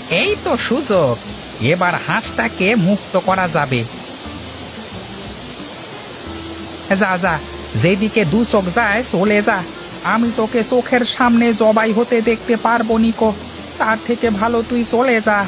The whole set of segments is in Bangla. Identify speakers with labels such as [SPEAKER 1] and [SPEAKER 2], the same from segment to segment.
[SPEAKER 1] এই তো সুযোগ, এবার হাঁসটাকে মুক্ত করা যাবে। যা যা, যেদিকে দু চোখ যায় চলে যা। আমি তোকে চোখের সামনে জবাই হতে দেখতে পারবো নিকো, তার থেকে ভালো তুই চলে যা।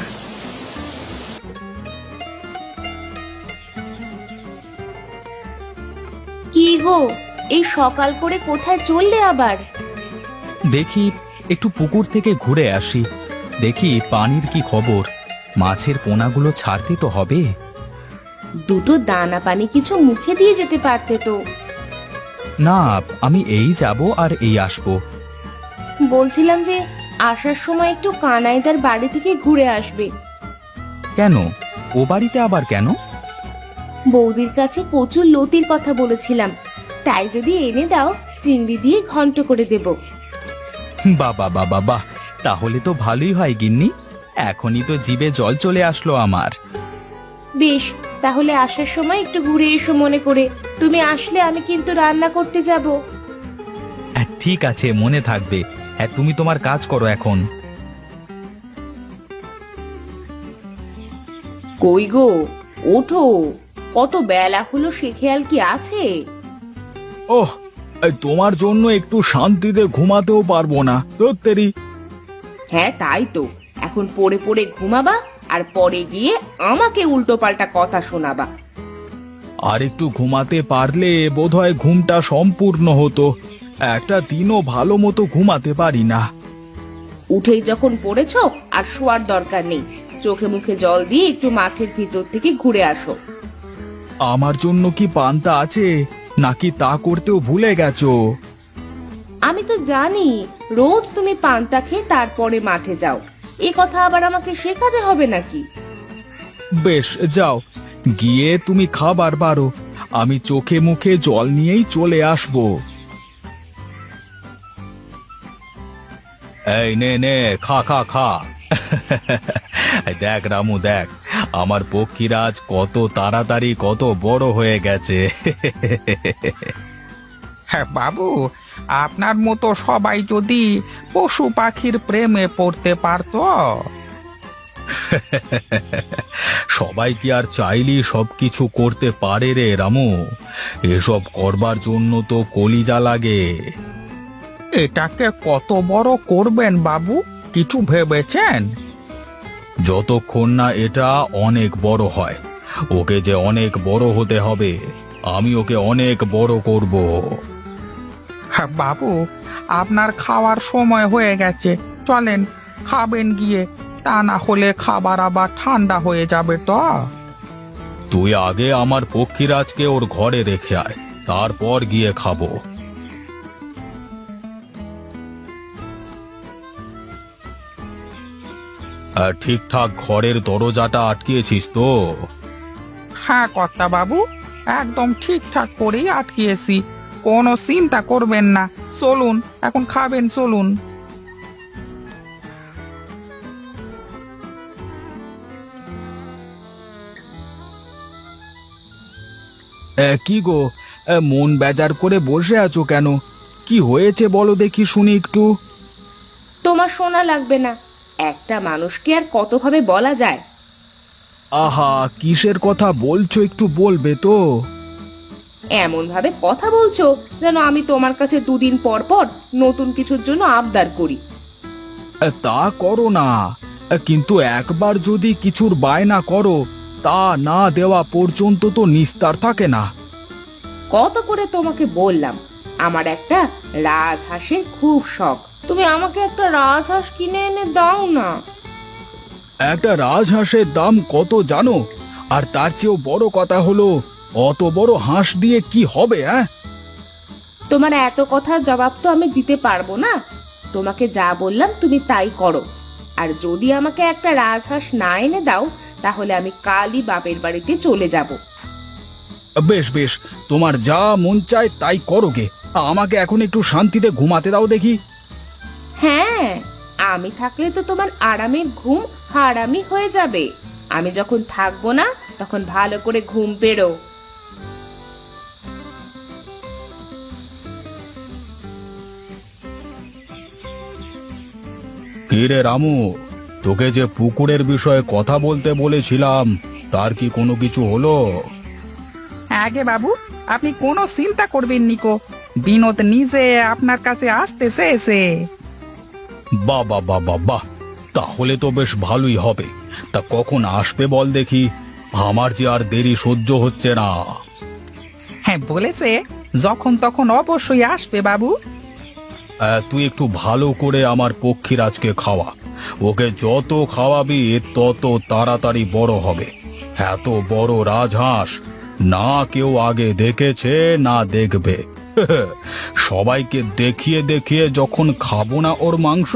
[SPEAKER 2] কি গো, এই সকাল করে কোথায় চললে আবার?
[SPEAKER 3] দেখি একটু পুকুর থেকে ঘুরে আসি, দেখি পানির কি খবর। মাছের পোনাগুলো ছাড়তে তো হবে।
[SPEAKER 2] দুটো দানা পানি কিছু মুখে দিয়ে যেতে পারতে তো।
[SPEAKER 3] না, আমি এই যাব আর এই আসবো।
[SPEAKER 2] বলছিলাম যে আসার সময় একটু কানাইদার বাড়ি থেকে ঘুরে আসবে।
[SPEAKER 3] কেন? ও বাড়িতে আবার কেন?
[SPEAKER 2] বৌদির কাছে কচুর লতির কথা বলেছিলাম, তাই যদি এনে দাও চিংড়ি দিয়ে ঘন্ট করে দেব।
[SPEAKER 3] বাবা বাবা বাহ, তাহলে তো ভালোই হয় গিন্নি। এখনই তো জিভে জল চলে আসলো আমার।
[SPEAKER 2] বেশ, তাহলে আসার সময় একটু ঘুরে এসো মনে করে। তুমি আসলে আমি কিন্তু রান্না করতে যাব।
[SPEAKER 3] ঠিক আছে, মনে থাকবে। হ্যাঁ, তুমি তোমার কাজ করো এখন।
[SPEAKER 2] কই গো, ওঠো, কত বেলা হলো সে খেয়াল কি আছে?
[SPEAKER 3] ওহ, তোমার জন্য একটু শান্তিতে ঘুমাতেও পারবো না তোত্তেরি।
[SPEAKER 2] হ্যাঁ তাই তো, এখন পড়ে পড়ে ঘুমাবা আর পরে গিয়ে আমাকে উল্টো পাল্টা কথা শোনাবা।
[SPEAKER 3] আর একটু ঘুমাতে পারলে বোধহয় ঘুমটা সম্পূর্ণ হতো। একটা দিনও ভালো মতো ঘুমাতে পারি না।
[SPEAKER 2] উঠেই যখন পড়েছো আর শোয়ার দরকার নেই, চোখে মুখে জল দিয়ে একটু মাঠের ভিতর থেকে ঘুরে আসো।
[SPEAKER 3] আমার জন্য কি পান্তা আছে, নাকি তা করতেও ভুলে গেছো?
[SPEAKER 2] আমি তো জানি রোজ তুমি পান্তা খেয়ে তারপরে মাঠে যাও, এ কথা আবার আমাকে শেখাতে হবে নাকি?
[SPEAKER 3] বেশ, যাও, গিয়ে তুমি খাবার বারো। আমি চোখে মুখে জল নিয়েই চলে আসবো। এই নে নে, খা খা খা। দেখ রামু, দেখ আমার পক্ষীরাজ কত তাড়াতাড়ি কত বড় হয়ে গেছে।
[SPEAKER 1] হ্যাঁ বাবু, আপনার মতো সবাই যদি পশু পাখির প্রেমে পড়তে পারতো।
[SPEAKER 3] সবাই কি আর চাইলেই সবকিছু করতে পারে রে রামু? এসব করবার জন্য তো কলিজা লাগে।
[SPEAKER 1] এটাকে কত বড় করবেন বাবু, কিছু ভেবেছেন?
[SPEAKER 3] যতক্ষণ না এটা অনেক বড় হয়, ওকে যে অনেক বড় হতে হবে। আমি ওকে অনেক বড় করব।
[SPEAKER 1] হ্যাঁ বাবু, আপনার খাওয়ার সময় হয়ে গেছে, চলেন খাবেন গিয়ে, তা না হলে খাবার আবার ঠান্ডা হয়ে যাবে তো।
[SPEAKER 3] তুই আগে আমার পক্ষীরাজকে ওর ঘরে রেখে আয়, তারপর গিয়ে খাবো। আর ঠিকঠাক ঘরের দরজাটা আটকিয়েছিস তো?
[SPEAKER 1] হ্যাঁ কর্তা বাবু, একদম ঠিকঠাক করেই আটকিয়েছি, কোনো চিন্তা করবেন না। চলুন, এখন খাবেন, চলুন।
[SPEAKER 3] কি গো, মন বেজার করে বসে আছো কেন? কি হয়েছে বলো দেখি, শুনি একটু।
[SPEAKER 2] তোমার শোনা লাগবে না, একটা মানুষকে আর কতভাবে বলা যায়?
[SPEAKER 3] আহা, কিসের কথা বলছো একটু বলবে তো?
[SPEAKER 2] এমন ভাবে কথা বলছো যেন আমি তোমার কাছে দুদিন পর পর নতুন কিছুর জন্য আবদার করি।
[SPEAKER 3] তা করো না, কিন্তু একবার যদি কিছুর বায়না করো, তা না দেওয়া পর্যন্ত তো নিস্তার থাকে না।
[SPEAKER 2] কত করে তোমাকে বললাম আমার একটা রাজহাঁসের খুব শখ, তুমি আমাকে একটা রাজহাঁস কিনে এনে দাও না।
[SPEAKER 3] একটা রাজহাঁসের দাম কত জানো? আর তার চেয়েও বড় কথা হলো, অত বড় হাঁস দিয়ে কি হবে? হ্যাঁ,
[SPEAKER 2] তোমার এত কথার জবাব তো আমি দিতে পারবো না। তোমাকে যা বললাম তুমি তাই করো, আর যদি আমাকে একটা রাজহাঁস না এনে দাও তাহলে আমি কালই বাপের বাড়িতে চলে যাব।
[SPEAKER 3] বেশ বেশ, তোমার যা মন চায় তাই করো গে। আমাকে এখন একটু শান্তিতে ঘুমাতে দাও দেখি।
[SPEAKER 2] হ্যাঁ, আমি থাকলে তো তোমার আরামের ঘুম হারামি হয়ে যাবে। আমি যখন থাকবো না তখন ভালো করে ঘুম পেড়ো।
[SPEAKER 3] কি রে রামু, তোকে যে পুকুরের বিষয়ে কথা বলতে বলেছিলাম তার কি কোনো কিছু হলো?
[SPEAKER 1] আগে বাবু, আপনি কোনো চিন্তা করবেন নিকো, বিনোদ নিজে আপনার কাছে আসতেছে এসে।
[SPEAKER 3] বাহ বাহ বাহ বাহ বাহ, তাহলে তো বেশ ভালোই হবে। তা কখন আসবে বল দেখি, আমার যে আর দেরি সহ্য হচ্ছে না।
[SPEAKER 1] হ্যাঁ বলেছে, যখন তখন অবশ্যই আসবে বাবু।
[SPEAKER 3] তুই একটু ভালো করে আমার পক্ষীরাজকে খাওয়া। ওকে যত খাওয়াবি তত তাড়াতাড়ি বড় হবে। এত বড় রাজহাঁস না কেউ আগে দেখেছে না দেখবে। সবাইকে দেখিয়ে দেখিয়ে যখন খাবো না ওর মাংস।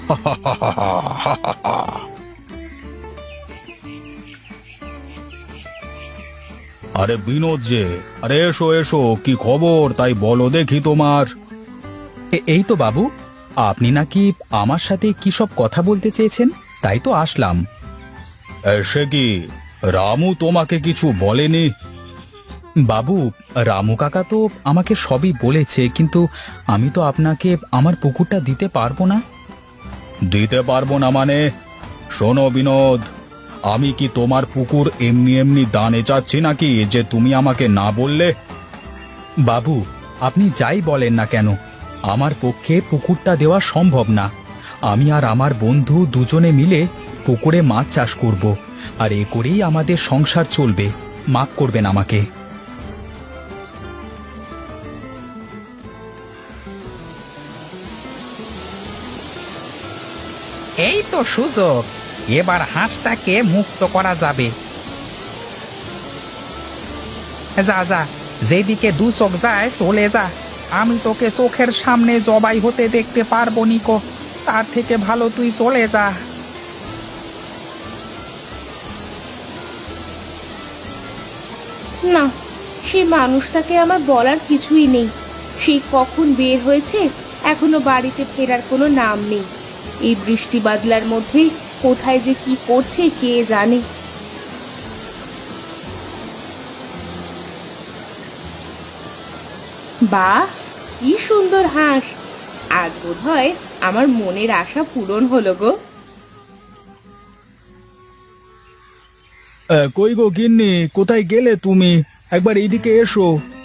[SPEAKER 3] আরে বিনোদ যে, আরে এসো এসো, কি খবর তাই বলো দেখি তোমার।
[SPEAKER 1] এই তো বাবু, আপনি নাকি আমার সাথে কি সব কথা বলতে চেয়েছেন, তাই তো আসলাম।
[SPEAKER 3] সে কি, রামু তোমাকে কিছু বলেনি?
[SPEAKER 1] বাবু, রামু কাকা তো আমাকে সবই বলেছে, কিন্তু আমি তো আপনাকে আমার পুকুরটা দিতে পারবো না।
[SPEAKER 3] দিতে পারবো না মানে? শোনো বিনোদ, আমি কি তোমার পুকুর এমনি এমনি দানে চাচ্ছি নাকি যে তুমি আমাকে না বললে?
[SPEAKER 1] বাবু, আপনি যাই বলেন না কেন, আমার পক্ষে পুকুরটা দেওয়া সম্ভব না। আমি আর আমার বন্ধু দুজনে মিলে পুকুরে মাছ চাষ করব, আর এ করেই আমাদের সংসার চলবে। মাফ করবেন আমাকে। এই তো সুযোগ, এবার হাঁসটাকে মুক্ত করা যাবে। যা যা, যেদিকে দু চোখ যায় চলে যা। আমি তোকে চোখের সামনে জবাই হতে দেখতে পারবো নিকো, তার থেকে ভালো তুই চলে যা।
[SPEAKER 2] না, সেই মানুষটাকে আমার বলার কিছুই নেই। সেই কখন বের হয়েছে, এখনো বাড়িতে ফেরার কোনো নাম নেই। এই বৃষ্টি বাদলার মধ্যে কোথায় যে কি করছে কে জানে। বাহ, কি সুন্দর হাঁস! আজ বোধহয় আমার মনের আশা পূরণ হলো গো।
[SPEAKER 3] কই গো গিন্নি, কোথায় গেলে তুমি? একবার এইদিকে এসো।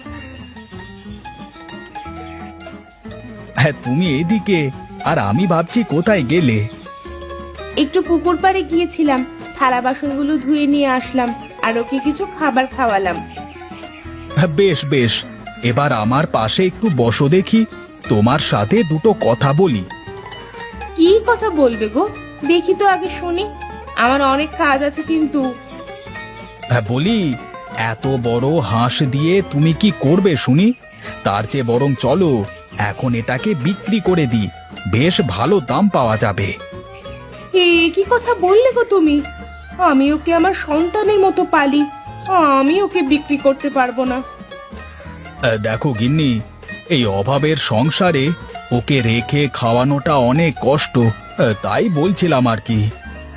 [SPEAKER 1] হ্যাঁ, তুমি এদিকে, আর আমি ভাবছি কোথায় গেলে।
[SPEAKER 2] একটু পুকুর পাড়ে গিয়েছিলাম, থালা বাসনগুলো ধুয়ে নিয়ে আসলাম, আর ওকে কিছু খাবার খাওয়ালাম।
[SPEAKER 1] বেশ বেশ, এবার আমার পাশে একটু বসো দেখি, তোমার সাথে দুটো কথা বলি।
[SPEAKER 2] কি কথা বলবে গো? দেখি তো আগে শুনি, আমার অনেক কাজ আছে কিন্তু।
[SPEAKER 1] হ্যাঁ বলি, এত বড় হাঁস দিয়ে তুমি কি করবে শুনি? তার চেয়ে বরং চলো এখন এটাকে বিক্রি করে দিই, বেশ ভালো দাম পাওয়া যাবে।
[SPEAKER 2] এ কি কথা বললে গো তুমি? আমি ওকে আমার সন্তানের মতো পালি, আমি ওকে বিক্রি করতে পারবো না।
[SPEAKER 1] দেখো গিন্নি, এই অভাবের সংসারে ওকে রেখে খাওয়ানোটা অনেক কষ্ট, তাই বলছিলাম আর কি।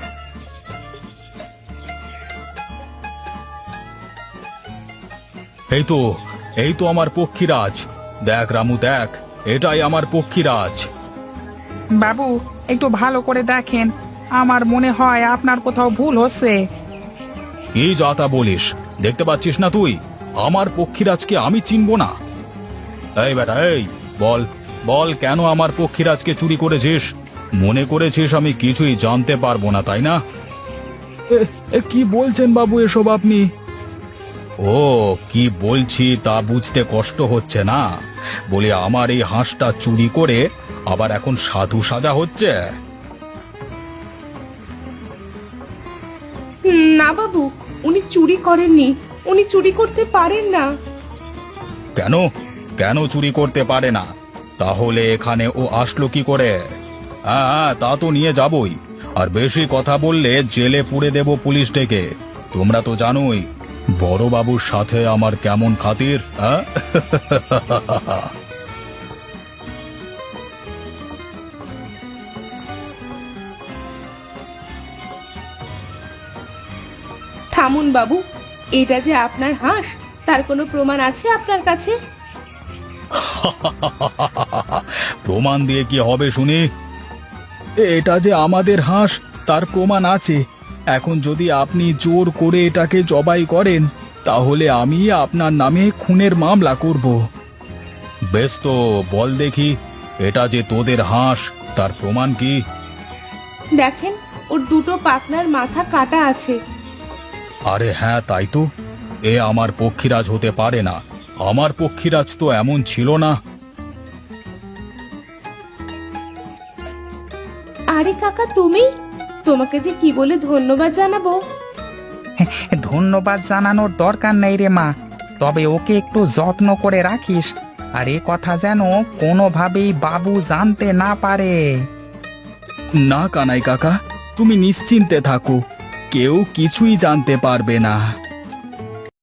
[SPEAKER 3] এই তো, এই তো আমার পক্ষীরাজ। দেখ রামু দেখ, এটাই আমার পক্ষীরাজ।
[SPEAKER 1] বাবু, একটু ভালো করে দেখেন, আমার মনে হয় আপনার কোথাও ভুল হচ্ছে।
[SPEAKER 3] কি যা তা বলিস? দেখতে পাচ্ছিস না তুই আমার পক্ষীরাজকে আমি চিনব না? এই বেটা, এই বল বল, কেন আমার পক্ষীরাজকে চুরি করেছিস? মনে করেছিস আমি কিছুই জানতে পারবো না, তাই না?
[SPEAKER 1] কি বলছেন বাবু এসব আপনি?
[SPEAKER 3] ও, কি বলছি তা বুঝতে কষ্ট হচ্ছে না? বলি আমার এই হাঁসটা চুরি করে আবার এখন সাধু সাজা হচ্ছে।
[SPEAKER 2] না বাবু, উনি চুরি করেননি, উনি চুরি করতে পারেন না।
[SPEAKER 3] কেন কেন চুরি করতে পারে না? তাহলে এখানে ও আসলো কি করে? হ্যাঁ, তা তো নিয়ে যাবই, আর বেশি কথা বললে জেলে পুরে দেব পুলিশ ডেকে। তোমরা তো জানোই বড়বাবুর সাথে আমার কেমন খাতির। হ্যাঁ
[SPEAKER 2] থামুন বাবু, এটা যে আপনার হাঁস, তার কোনো প্রমাণ আছে আপনার কাছে?
[SPEAKER 3] প্রমাণ দিয়ে কি হবে শুনি?
[SPEAKER 1] এটা যে আমাদের হাঁস, তার প্রমাণ আছে। এখন যদি আপনি জোর করে এটাকে জবাই করেন তাহলে আমি আপনার নামে খুনের মামলা করব।
[SPEAKER 3] বেশ তো বল দেখি, এটা যে তোদের হাঁস তার প্রমাণ কি?
[SPEAKER 2] দেখেন, ওর দুটো পাখনার মাথা কাটা আছে।
[SPEAKER 3] আরে হ্যাঁ, তাই তো। এ আমার পক্ষীরাজ হতে পারে না। আমার পক্ষীরাজ তো এমন ছিল না।
[SPEAKER 2] আরে কাকা, তুমি? তোমাকে যে কি বলে ধন্যবাদ জানাবো।
[SPEAKER 4] ধন্যবাদ জানানোর দরকার নেই রে মা, তবে ওকে একটু যত্ন করে রাখিস, আর এ কথা যেন কোনোভাবেই বাবু জানতে না পারে।
[SPEAKER 1] না কানাই কাকা, তুমি নিশ্চিন্তে থাকো, কেউ কিছুই জানতে পারবে না।